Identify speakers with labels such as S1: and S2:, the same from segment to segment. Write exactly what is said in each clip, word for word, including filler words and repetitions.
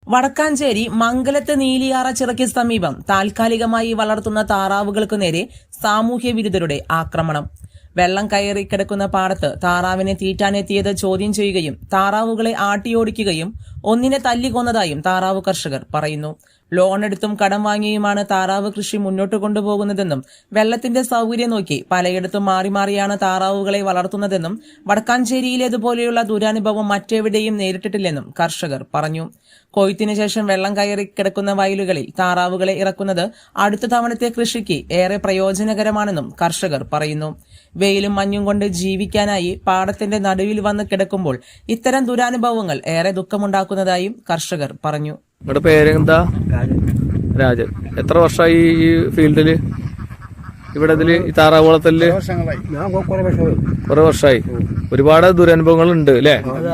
S1: വടക്കാഞ്ചേരി മംഗലത്ത് നീലിയാറ ചിറയ്ക്ക് സമീപം താൽക്കാലികമായി വളർത്തുന്ന താറാവുകൾക്കു നേരെ സാമൂഹ്യ വിരുദ്ധരുടെ ആക്രമണം. വെള്ളം കയറി കിടക്കുന്ന പാടത്ത് താറാവിനെ തീറ്റാനെത്തിയത് ചോദ്യം ചെയ്യുകയും താറാവുകളെ ആട്ടിയോടിക്കുകയും ഒന്നിനെ തല്ലിക്കൊന്നതായും താറാവ് കർഷകർ പറയുന്നു. ലോണെടുത്തും കടം വാങ്ങിയുമാണ് താറാവ് കൃഷി മുന്നോട്ട് കൊണ്ടുപോകുന്നതെന്നും വെള്ളത്തിന്റെ സൌകര്യം നോക്കി പലയിടത്തും മാറി മാറിയാണ് താറാവുകളെ വളർത്തുന്നതെന്നും വടക്കാഞ്ചേരിയിലേതുപോലെയുള്ള ദുരനുഭവം മറ്റെവിടെയും നേരിട്ടിട്ടില്ലെന്നും കർഷകർ പറഞ്ഞു. കൊയ്ത്തിനു ശേഷം വെള്ളം കയറി കിടക്കുന്ന വയലുകളിൽ താറാവുകളെ ഇറക്കുന്നത് അടുത്ത തവണത്തെ കൃഷിക്ക് ഏറെ പ്രയോജനകരമാണെന്നും കർഷകർ പറയുന്നു. വെയിലും മഞ്ഞും കൊണ്ട് ജീവിക്കാനായി പാടത്തിന്റെ നടുവിൽ വന്ന് കിടക്കുമ്പോൾ ഇത്തരം ദുരനുഭവങ്ങൾ ഏറെ ദുഃഖമുണ്ടാക്കുന്നതായും കർഷകർ പറഞ്ഞു.
S2: നിങ്ങളുടെ പേരെന്താ? രാജൻ. എത്ര വർഷമായി ഈ ഫീൽഡില്, ഇവിടെ ഇതില് ഈ താറാവുളത്തില്? കുറെ വർഷമായി. ഒരുപാട് ദുരനുഭവങ്ങൾ ഉണ്ട് അല്ലേ?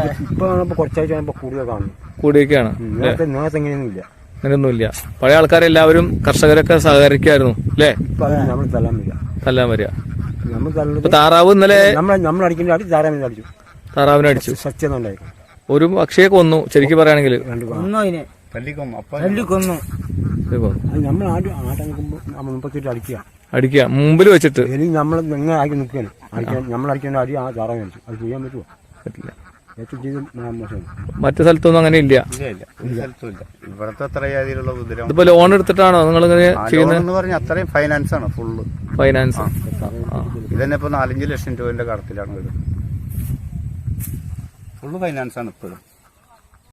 S2: കൂടിയൊക്കെയാണ്. അങ്ങനെയൊന്നുമില്ല. പഴയ ആൾക്കാരെല്ലാവരും കർഷകരൊക്കെ സഹകരിക്കായിരുന്നു അല്ലേ? തല്ലാൻ വരിക. ഇപ്പൊ താറാവ് ഇന്നലെ താറാവിനെ അടിച്ചു. ഒരു പക്ഷിയെ കൊന്നു. ശരിക്കും പറയുകയാണെങ്കിൽ അടിക്കുക മുമ്പിൽ വെച്ചിട്ട് മറ്റു സ്ഥലത്തൊന്നും അങ്ങനെ ഇല്ല.
S3: ഇവിടത്തെ അത്ര രീതിയിലുള്ള
S2: ഇതിപ്പോ ലോൺ എടുത്തിട്ടാണോ നിങ്ങൾ ഇങ്ങനെ ചെയ്യുന്നത്?
S3: അത്രയും ഫൈനാൻസ് ആണ്, ഫുള്ള്
S2: ഫൈനാൻസ്.
S3: ഇതന്നെ ഇപ്പൊ നാലഞ്ച് ലക്ഷം രൂപന്റെ കടത്തിലാണ് വീട്. ഫുള്ള് ഫൈനാൻസ് ആണ് ഇപ്പോഴും.